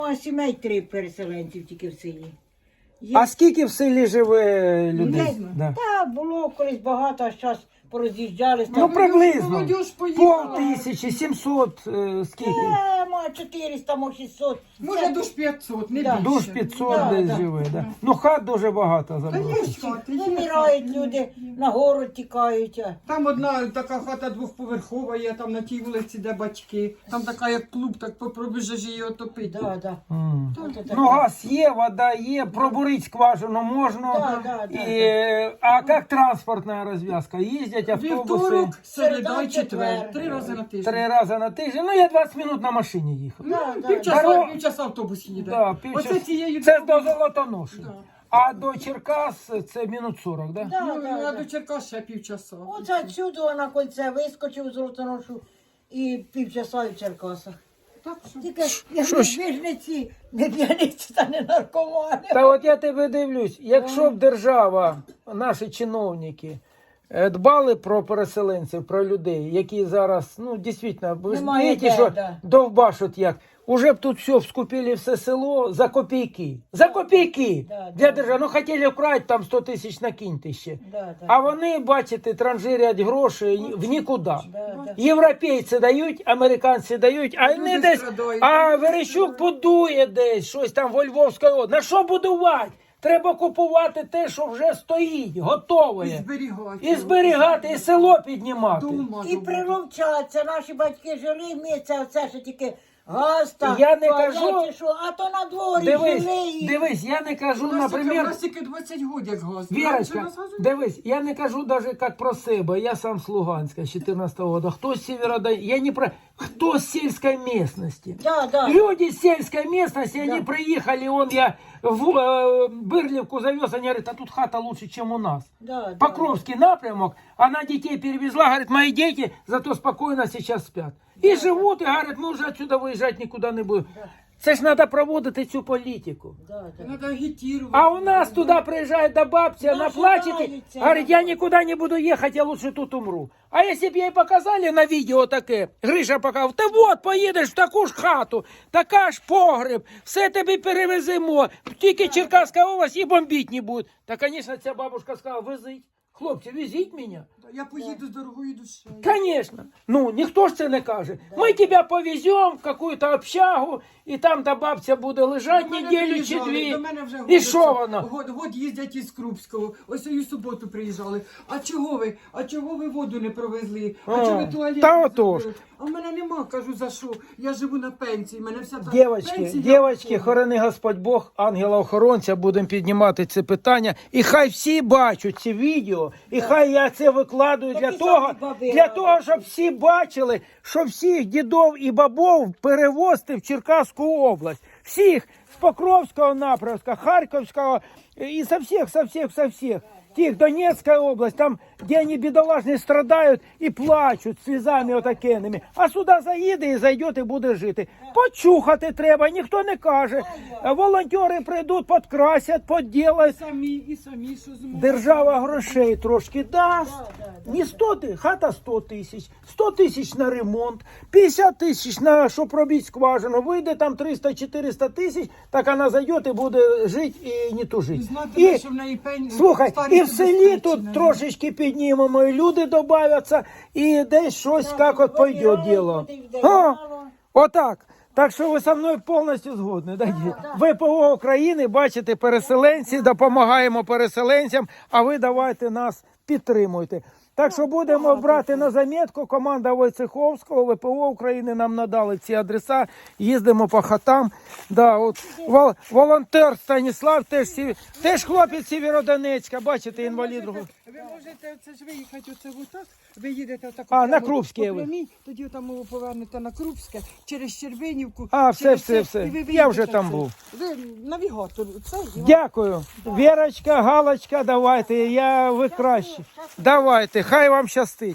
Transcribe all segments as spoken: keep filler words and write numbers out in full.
А сімей три переселенців тільки в селі. Є... А скільки в селі живе людей? Людей? Да. Та було колись багато, а зараз пороз'їжджались. Ну приблизно. молодіж Пол поїхала. тисячі, сімсот, е, скільки? Е, ма чотириста, мо шістсот. Може, душ п'ятсот, не Да. більше. Душ п'ятсот Да, десь да. живе, да. Ну хат дуже багато Та забрали. є ж хати, є. Вмирають люди, на гору тікають. а. Там одна така хата двохповерхова є, там на тій вулиці, де батьки. Там така як клуб, так попробуєш її отопити. Да, да. М. От це Ну таке. газ є, вода є, пробурить скважину можна. Да, да, да, І, е, а як транспортна розв'язка? Їздять автобуси Вівторок, середа Середа, і четвер. четвер. Три рази на тиждень. три рази на тиждень. Ну я двадцять минут на машині їхав. Ну, Да, півчаса, Дорога- півчаса автобус їде. Да, півчас- Оце цією Це до дорогою- Золотоноші. Да. А до Черкас це минут сорок, да? Да, Ну, да, ну, а да. до Черкас ще півчаса. Оце отсюди на кольце вискочив з Золотоношу і півчаса в Черкасах. Так що? Тільки я ви ж не ці, не п'яниці та не наркомани. Та от я тебе дивлюсь, якщо б держава, наші чиновники, е, дбали про переселенців, про людей, які зараз, ну, дійсно, ви ж Немає знаєте, де, що да. довбашуть як, уже б тут все вскупили все село за копійки. За копійки! Да, Для да. держави, ну хотіли вкрати там сто тисяч накиньте ще. Да, да. А вони, бачите, транжирять гроші в нікуди. Да, да. Європейці дають, американці дають, а Люди вони десь, страдають, а люди Верещук будує десь щось там во Львовській області. На що будувати? Треба купувати те, що вже стоїть, готове. І зберігати. І зберігати, і село піднімати. Дома І зробити. приловчаться, наші батьки жили, ми це все ще тільки газ та Я не туалет, кажу- чи що, а то на дворі Дивись, жили. І... дивись, я не кажу, У нас тільки- у наприклад, нас тільки двадцять годин як газ. Вірочка, Раніше у нас газу не дивись, я не кажу даже как про себе, я сам с Луганска, с четырнадцатого года, кто с Северодонецка, я не про, кто с сельской местности. Да, да. Люди с сельской местности, они приехали, он я в э, Бырлевку завез, они говорят, а тут хата лучше, чем у нас. Да, да. Покровский напрямок, она детей перевезла, говорит, мои дети зато спокойно сейчас спят. И живут, и говорят, мы уже отсюда выезжать никуда не будем. Це ж треба проводити цю політику. Да, да. Надо агітувати. А у нас туда приезжает до бабки, она Наши плачет и нравится. говорит, я никуда не буду ехать, я лучше тут умру. А если бы ей показали на видео таке, Гриша показав, ти вот поїдеш в таку ж хату, така ж погреб, все тобі перевеземо, тільки Черкаська область і бомбить не буде. Та, звісно, ця бабушка сказала, везіть. Хлопці, везіть мене. Я поїду з дорогою душею. Конечно. Ну, ніхто ж це не каже. Ми тебе повеземо в какую-то общагу, і там та бабця буде лежати До мене неділю чи приїжджали, дві. До мене вже І год що оце- воно? Год, год їздять із Крупського. Ось у суботу приїжджали. А чого ви? А чого ви воду не провезли? А, А, чого ви туалет та не отож. зробили? А в мене нема, кажу, за що? Я живу на пенсії, в мене вся та Дівочки, пенсія. дівочки, хорони Господь Бог, ангела-охоронця, будемо піднімати це питання. І хай всі бачать ці відео, і хай я це викладую для і того, самі баби для радять. того, щоб всі бачили, що всіх дідов і бабов перевозити в Черкаську область. Всіх з Покровського напрямка, Харківського і со всіх, со всіх, со всіх. Тих, Донецкая область, там, где они бедолажные страдают и плачут слезами отакенними. А сюди заїде і зайде і буде жити. Почухати треба, ніхто не каже. Волонтери прийдуть, підкрасять, поділають. Самі і самі, що зможуть. Держава грошей трошки дасть. Не сто тисяч, хата сто тисяч, сто тисяч на ремонт, п'ятдесят тисяч на, щоб робити скважину. Вийде там триста-чотириста тисяч, так вона зайде і буде жити і не тужити. І знати, І, що в неї пень... слухай, старість і в селі тут забезпечена. трошечки піднімемо, і люди додаються, і десь щось, як от пойде діло. А, отак. Так що ви зі мною повністю згодні. Да? ВПО України, бачите, переселенці, допомагаємо переселенцям, а ви давайте нас підтримуйте. Так що будемо брати на замітку, команда Войцеховського, ВПО України нам надали ці адреса, їздимо по хатам. Да, от, вол, волонтер Станіслав, теж, сі- теж хлопець Сєвєродонецька, бачите, інвалід. Ви можете це ж виїхати оце отак, ви їдете отак. А, на прямо Крупське по ви. прямій, тоді там ви повернете на Крупське, через Червенівку. А, все, через все, це, все. і ви Я виїдете вже там це. був. Ви навігатор, це Дякую. Вірочка, Галочка, давайте, я ви кращі. Давайте, хай вам щастить.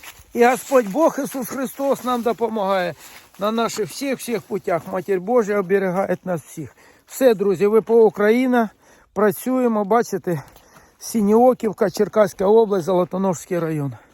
І Господь Бог Ісус Христос нам допомагає на наших всіх-всіх путях. Матір Божа оберігає нас всіх. Все, друзі, ВПО Україна, працюємо, бачите, Сініоківка, Черкаська область, Золотоношський район.